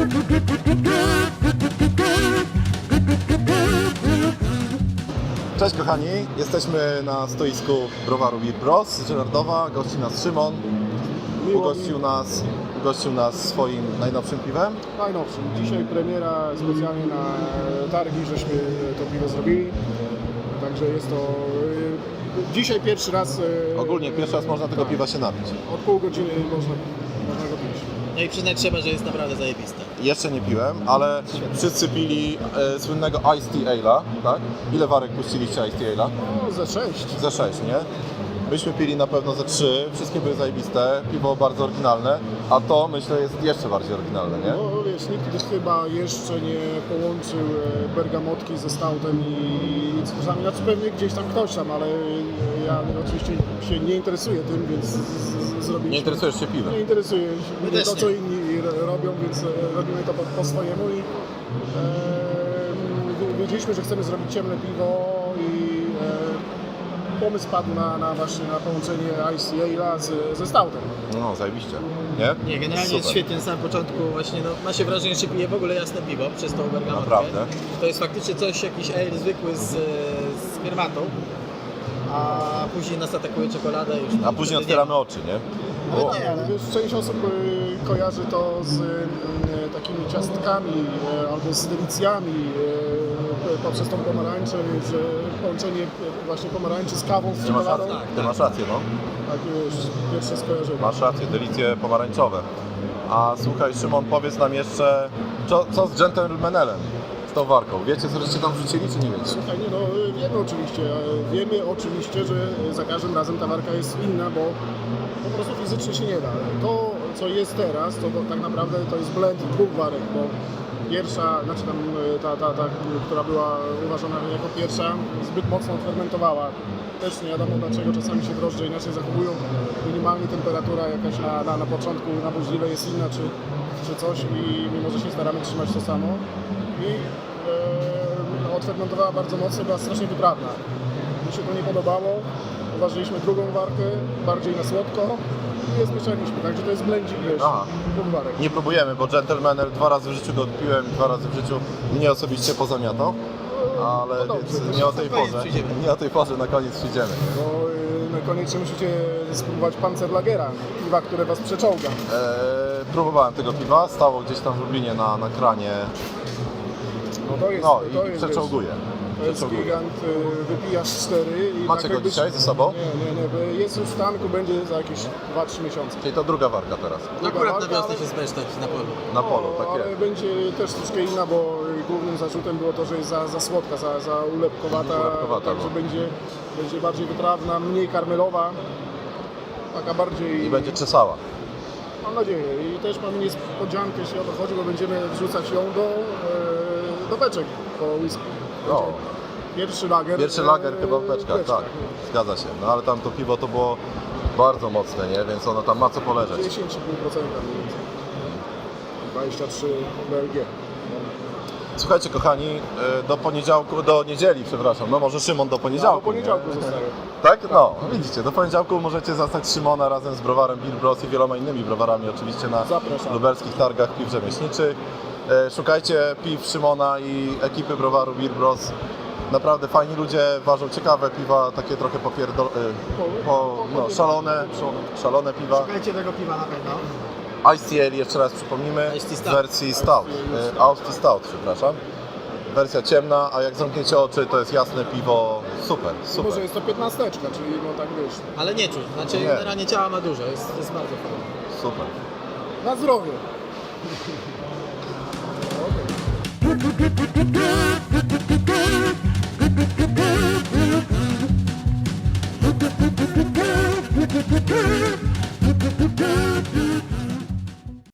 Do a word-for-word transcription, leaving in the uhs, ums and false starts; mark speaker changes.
Speaker 1: Cześć kochani, jesteśmy na stoisku browaru Beer Bros z Żyrardowa. Gości nas Szymon, ugościł nas, ugościł nas swoim najnowszym piwem.
Speaker 2: Najnowszym. Dzisiaj premiera specjalnie na targi, żeśmy to piwo zrobili. Także jest to y, dzisiaj pierwszy raz. y,
Speaker 1: Ogólnie pierwszy raz można tego piwa się napić.
Speaker 2: Od pół godziny można, można go pić.
Speaker 3: No i przyznać trzeba, że jest naprawdę zajebiste.
Speaker 1: Jeszcze nie piłem, ale wszyscy pili e, słynnego Iced Tea Ale'a, tak? Ile warek puściliście Iced Tea Ale'a?
Speaker 2: No, ze sześć.
Speaker 1: Ze sześć, nie? Myśmy pili na pewno ze trzy, wszystkie były zajebiste, piwo bardzo oryginalne, a to myślę jest jeszcze bardziej oryginalne, nie?
Speaker 2: No wiesz, nikt chyba jeszcze nie połączył e, bergamotki ze stoutem i cytrusami. Znaczy pewnie gdzieś tam ktoś tam, ale ja oczywiście się nie interesuję tym, więc z- z- zrobiliśmy.
Speaker 1: Nie interesujesz się piwem?
Speaker 2: Nie interesuje
Speaker 3: My
Speaker 2: mnie
Speaker 3: też
Speaker 2: to,
Speaker 3: nie.
Speaker 2: co inni r- robią, więc e, robimy to po, po swojemu i e, wi- wiedzieliśmy, że chcemy zrobić ciemne piwo i e, pomysł padł na, na właśnie na połączenie Ice Ale'a z, ze stoutem.
Speaker 1: No, zajebiście, nie?
Speaker 3: Nie, generalnie
Speaker 1: Super.
Speaker 3: jest świetnie na samym początku właśnie, no, ma się wrażenie, że się pije w ogóle jasne piwo przez tą bergamotkę.
Speaker 1: Naprawdę?
Speaker 3: To jest faktycznie coś, jakiś ale zwykły z, z herbatą, a później nas atakuje czekolada i już...
Speaker 1: A później otwieramy oczy, nie?
Speaker 2: Ale
Speaker 1: O,
Speaker 2: nie, ale wiesz, część osób y, kojarzy to z y, takimi ciastkami y, albo z delicjami y, poprzez tą pomarańczę, więc y, połączenie y, właśnie pomarańczy z kawą, z
Speaker 1: ty masz
Speaker 2: czekoladą.
Speaker 1: rację, ty masz rację, no.
Speaker 2: Tak, już pierwsze skojarzenie.
Speaker 1: Masz rację, delicje pomarańczowe. A słuchaj Szymon, powiedz nam jeszcze, co, co z Gentlemanelem, z tą warką? Wiecie, co żeście tam wrzucili, czy nie wiecie?
Speaker 2: Słuchaj, nie, no wiemy oczywiście, e, wiemy oczywiście, że za każdym razem ta warka jest inna, bo po prostu fizycznie się nie da. To, co jest teraz, to, to tak naprawdę to jest blend dwóch warek, bo pierwsza, znaczy tam e, ta, ta, ta, która była uważana jako pierwsza, zbyt mocno fermentowała. Też nie wiadomo dlaczego czasami się drożdże inaczej zachowują. Minimalnie temperatura jakaś na, na, na początku na buźdźwile jest inna czy, czy coś i mimo, że się staramy trzymać to samo. I e, odfermentowała bardzo mocno, była strasznie wytrawna. Mi się to nie podobało. Uważaliśmy drugą warkę, bardziej na słodko i je zmieszaliśmy. Także to jest blendzik, wiesz,
Speaker 1: Aha.
Speaker 2: dwóch warek.
Speaker 1: Nie próbujemy, bo Gentlemanel dwa razy w życiu go odpiłem, dwa razy w życiu mnie osobiście pozamiatał. Ale
Speaker 2: to dobrze,
Speaker 1: więc
Speaker 2: to
Speaker 1: nie o
Speaker 2: się
Speaker 1: tej
Speaker 3: na koniec
Speaker 1: porze,
Speaker 3: przyjdziemy.
Speaker 1: nie o tej porze na koniec przyjdziemy.
Speaker 2: Bo y, koniecznie musicie spróbować Panzerlagera, piwa, które was przeczołga.
Speaker 1: Eee, próbowałem tego piwa, stało gdzieś tam w Lublinie na, na kranie,
Speaker 2: No to jest,
Speaker 1: no
Speaker 2: to
Speaker 1: i
Speaker 2: jest,
Speaker 1: przeczołguje.
Speaker 2: wiesz, to jest
Speaker 1: Przeczołguje.
Speaker 2: gigant, y, wypijasz cztery i
Speaker 1: Macie
Speaker 2: tak
Speaker 1: go
Speaker 2: jakbyś-
Speaker 1: dzisiaj ze sobą?
Speaker 2: Nie, nie, nie, bo jest już w tanku, będzie za jakieś dwa trzy miesiące.
Speaker 1: Czyli to druga warka teraz.
Speaker 3: Akurat na
Speaker 2: walka,
Speaker 3: wiosnę
Speaker 2: ale-
Speaker 3: się zbesztać na polu.
Speaker 1: Na polu,
Speaker 2: No,
Speaker 1: tak
Speaker 2: ale
Speaker 1: jest.
Speaker 2: będzie też troszkę inna, bo głównym zarzutem było to, że jest za, za słodka, za, za ulepkowata,
Speaker 1: Ulepkowata,
Speaker 2: także
Speaker 1: no.
Speaker 2: będzie, będzie bardziej wytrawna, mniej karmelowa, taka bardziej,
Speaker 1: I będzie czesała.
Speaker 2: mam nadzieję. I też mamy niespodziankę, jeśli o to chodzi, bo będziemy wrzucać ją do, e, do beczek po whisky.
Speaker 1: O.
Speaker 2: Pierwszy lager.
Speaker 1: Pierwszy
Speaker 2: e,
Speaker 1: lager chyba w
Speaker 2: w
Speaker 1: beczkach, tak. Zgadza się. No ale tam to piwo to było bardzo mocne, nie? Więc ono tam ma co poleżeć.
Speaker 2: dziesięć i pół procent mniej więcej. dwadzieścia trzy B L G.
Speaker 1: Słuchajcie kochani, e, do poniedziałku, do niedzieli, przepraszam, no może Szymon do
Speaker 2: Ja
Speaker 1: poniedziałku.
Speaker 2: do poniedziałku
Speaker 1: nie?
Speaker 2: zostaję.
Speaker 1: Tak? No, widzicie, do poniedziałku możecie zastać Szymona razem z browarem Beer Bros i wieloma innymi browarami oczywiście na
Speaker 2: Zapraszam.
Speaker 1: lubelskich targach piw rzemieślniczych. E, Szukajcie piw Szymona i ekipy browaru Beer Bros. Naprawdę fajni ludzie, ważą ciekawe piwa, takie trochę popierdol... e, po, no, szalone, szalone piwa.
Speaker 3: Szukajcie tego piwa na pewno.
Speaker 1: Iced Tea Ale, jeszcze raz przypomnimy,
Speaker 3: Iced Tea
Speaker 1: w
Speaker 3: Stout.
Speaker 1: wersji Stout, e, Iced Tea Stout, przepraszam. Wersja ciemna, a jak zamkniecie oczy, to jest jasne piwo, super,
Speaker 2: Może
Speaker 1: super.
Speaker 2: jest to piętnasteczka, czyli no tak wiesz,
Speaker 3: Ale nie czuć, znaczy
Speaker 1: Nie.
Speaker 3: generalnie ciała ma dużo, jest, jest bardzo fajne.
Speaker 1: Super.
Speaker 2: na zdrowie. Okej.